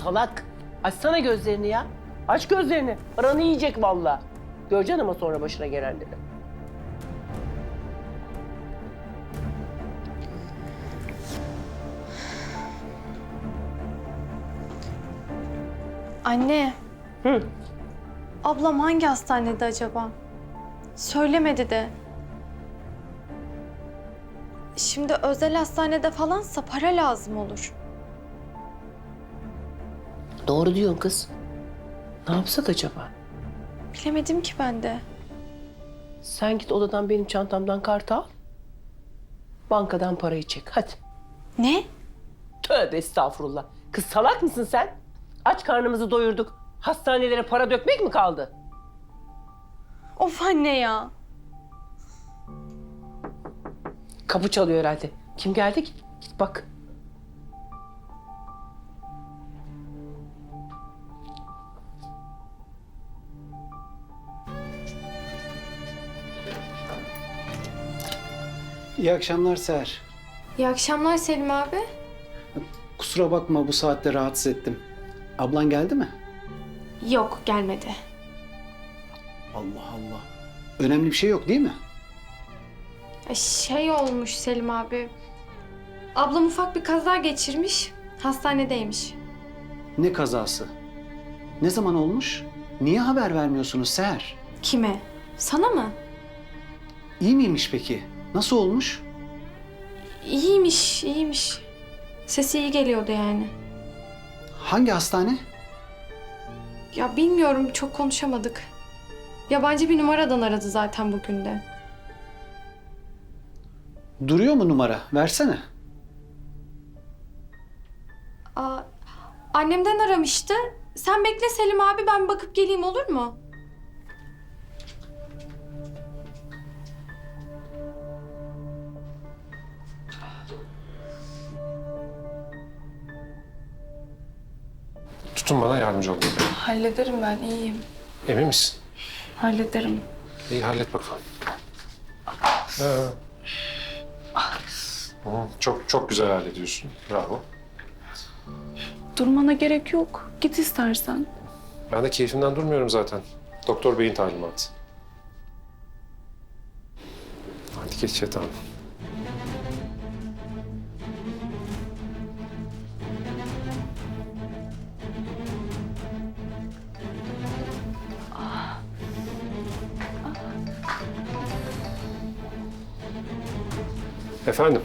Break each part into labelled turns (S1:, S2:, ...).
S1: salak. Açsana gözlerini ya. Aç gözlerini. Paranı yiyecek vallahi. Göreceksin ama sonra başına gelenleri.
S2: Anne,
S1: Hı.
S2: ablam hangi hastanede acaba? Söylemedi de. Şimdi özel hastanede falansa para lazım olur.
S1: Doğru diyorsun kız. Ne yapsak acaba?
S2: Bilemedim ki ben de.
S1: Sen git odadan benim çantamdan kartı al. Bankadan parayı çek. Hadi.
S2: Ne?
S1: Tövbe estağfurullah. Kız salak mısın sen? Aç karnımızı doyurduk. Hastanelere para dökmek mi kaldı?
S2: Of anne ya.
S1: Kapı çalıyor herhalde. Kim geldi ki? Git bak.
S3: İyi akşamlar Seher.
S2: İyi akşamlar Selim abi.
S3: Kusura bakma bu saatte rahatsız ettim. Ablan geldi mi?
S2: Yok, gelmedi.
S3: Allah Allah. Önemli bir şey yok değil mi?
S2: Şey olmuş Selim abi. Ablam ufak bir kaza geçirmiş. Hastanedeymiş.
S3: Ne kazası? Ne zaman olmuş? Niye haber vermiyorsunuz Seher?
S2: Kime? Sana mı?
S3: İyi miymiş peki? Nasıl olmuş?
S2: İyiymiş, iyiymiş. Sesi iyi geliyordu yani.
S3: Hangi hastane?
S2: Ya bilmiyorum, çok konuşamadık. Yabancı bir numaradan aradı zaten bugün de.
S3: Duruyor mu numara? Versene.
S2: Aa, annemden aramıştı. Sen bekle Selim abi, ben bakıp geleyim, olur mu?
S4: Tutun bana yardımcı olun.
S5: Hallederim ben, iyiyim.
S4: Emin misin?
S5: Hallederim.
S4: İyi hallet bakalım. Çok güzel hallediyorsun. Bravo.
S5: Durmana gerek yok. Git istersen.
S4: Ben de keyfimden durmuyorum zaten. Doktor beyin talimatı. Hadi geç yatağına. Efendim?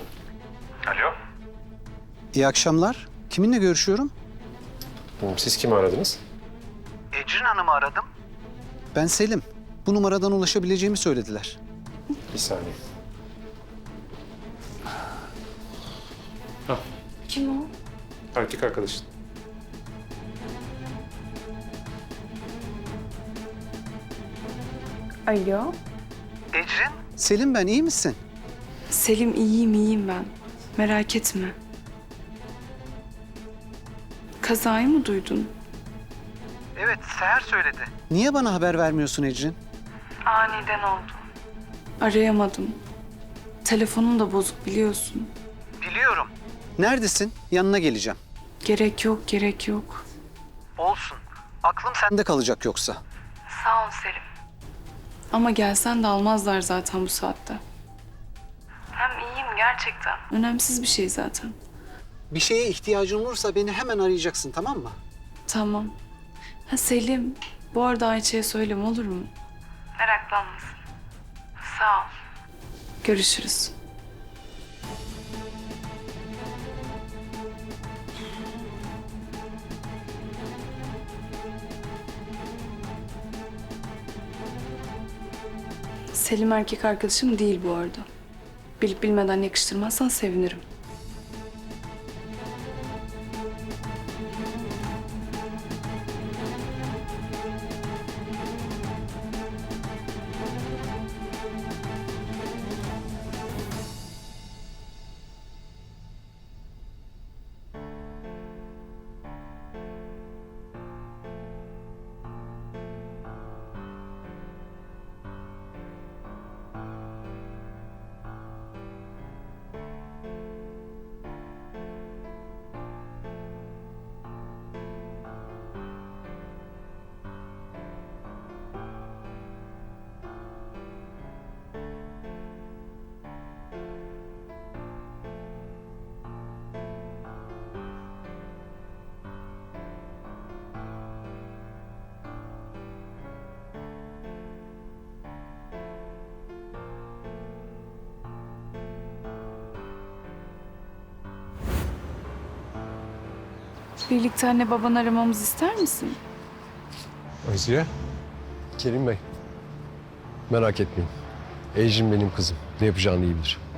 S3: İyi akşamlar. Kiminle görüşüyorum?
S4: Siz kimi aradınız?
S3: Ecrin Hanım'ı aradım. Ben Selim. Bu numaradan ulaşabileceğimi söylediler.
S4: Bir saniye.
S5: Kim o?
S4: Erkek arkadaşın.
S5: Alo.
S3: Selim ben, iyi misin?
S5: Selim, iyiyim ben. Merak etme. Kazayı mı duydun?
S3: Evet, Seher söyledi. Niye bana haber vermiyorsun Ecrin?
S5: Aniden oldu. Arayamadım. Telefonum da bozuk, biliyorsun.
S3: Biliyorum. Neredesin? Yanına geleceğim.
S5: Gerek yok, gerek yok.
S3: Olsun. Aklım sende kalacak yoksa.
S5: Sağ ol Selim. Ama gelsen de almazlar zaten bu saatte. Hem iyiyim gerçekten. Önemsiz bir şey zaten.
S3: Bir şeye ihtiyacın olursa beni hemen arayacaksın, tamam mı?
S5: Tamam. Ha Selim, bu arada Ayça'ya söyleme, olur mu? Meraklanmasın. Sağ ol. Görüşürüz. Selim erkek arkadaşım değil bu arada. Bilip bilmeden yakıştırmazsan sevinirim. Birlikte anne babanı aramamızı ister misin?
S6: Azize, Kerim Bey. Merak etmeyin. Ecrin benim kızım. Ne yapacağını iyi bilir.